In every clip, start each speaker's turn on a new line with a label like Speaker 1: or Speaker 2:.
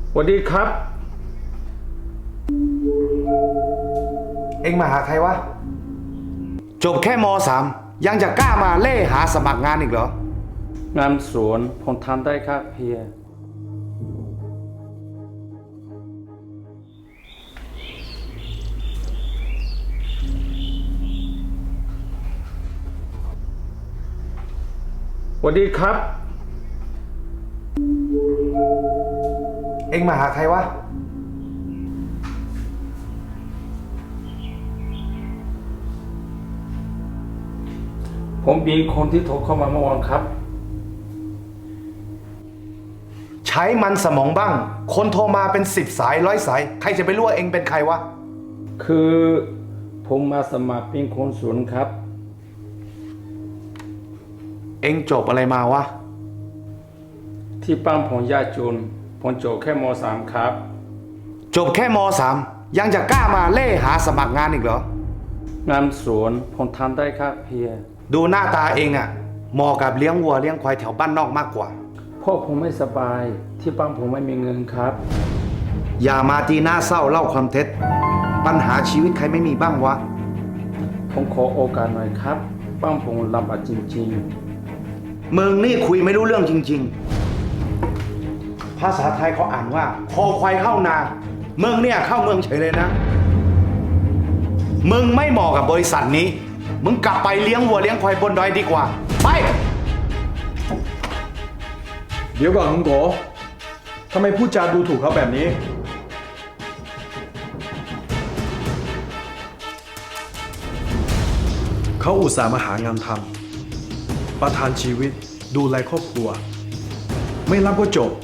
Speaker 1: สวัสดีครับ
Speaker 2: เอ็งมาหาใครวะ จบแค่ม.3 ยังจะกล้ามาเล่หาสมัครงานอีกเหรอ
Speaker 1: งานสวนผมทำได้ครับเฮียสวัสดีครับ
Speaker 2: เอ็งมาหาใครวะ
Speaker 1: ผมมีคนที่โทรเข้ามาเมื่อวานครับ
Speaker 2: ใช้มันสมองบ้าง คนโทรมาเป็น10 สาย100 สาย ใครจะไปรู้ว่าเอ็งเป็นใครวะ
Speaker 1: คือผมมาสมัครเป็นคนสวนครับ
Speaker 2: เอ็งจบอะไรมาวะ
Speaker 1: ที่บ้านผมยากจนผมจบแค่ม.3 ครับ
Speaker 2: จบแค่ม.3 ยังจะกล้ามาเล่หาสมัครงานอีกเหรอ
Speaker 1: งานสวนผมทำได้ครับเฮีย
Speaker 2: ดูหน้าตาเองอะเหมาะกับเลี้ยงวัวเลี้ยงควายแถวบ้านนอกมากกว่า
Speaker 1: พ่อผมไม่สบายที่บ้านผมไม่มีเงินครับ
Speaker 2: อย่ามาตีหน้าเศร้าเล่าความเท็จ ปัญหาชีวิตใครไม่มีบ้างวะ
Speaker 1: ผมขอโอกาสหน่อยครับบ้านผมลำบากจริง
Speaker 2: มึงนี่คุยไม่รู้เรื่องจริงๆ ภาษาไทยเขาอ่านว่า คอควายเข้านามึงเนี่ยเข้าเมืองเฉยเลยนะ มึงไม่เหมาะกับบริษัทนี้ มึงกลับไปเลี้ยงวัวเลี้ยงควายบนดอยดีกว่า ไป
Speaker 3: เดี๋ยวก่อนคุณโกทำไมพูดจาดูถูกเขาแบบนี้ เขาอุตส่าห์มาหางานทำประทานชีวิตดูแลครอบครัว ไม่รับก็จบ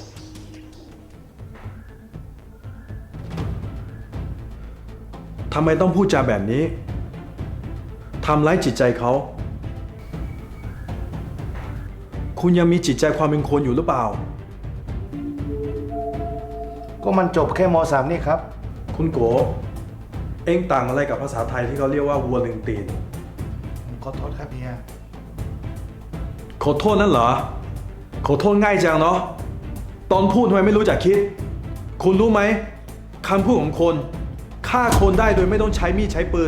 Speaker 3: ทำไมต้องพูดจาแบบนี้ ทำร้ายจิตใจเขา คุณยังมีจิตใจความเป็นคนอยู่หรือเปล่า
Speaker 2: ก็มันจบแค่ม.3 นี่ครับ
Speaker 3: คุณโก เอ็งต่างอะไรกับภาษาไทยที่เขาเรียกว่าวัวลึงตีน
Speaker 2: ขอโทษครับเฮีย
Speaker 3: ขอโทษนั่นเหรอ ขอโทษง่ายจังเนาะ ตอนพูดทำไมไม่รู้จักคิด คุณรู้ไหมคำพูดของคนฆ่าคนได้โดยไม่ต้องใช้มีดใช้ปืน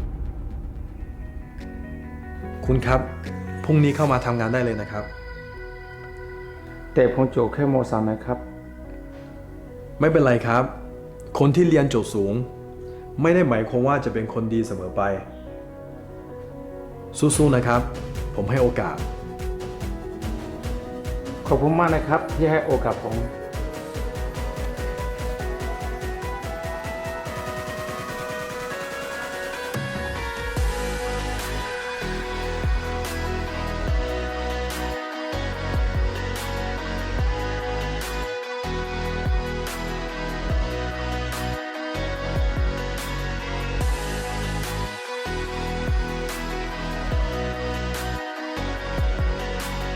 Speaker 3: คุณครับ พรุ่งนี้เข้ามาทำงานได้เลยนะครับ
Speaker 1: ๆ แต่ผมจบแค่ม.3 นะครับ
Speaker 3: ไม่เป็นไรครับ คนที่เรียนจบสูง ไม่ได้หมายความว่าจะเป็นคนดีเสมอไป สู้ๆนะครับ ผมให้โอกาส
Speaker 1: ขอบคุณมากนะครับที่ให้โอกาสผม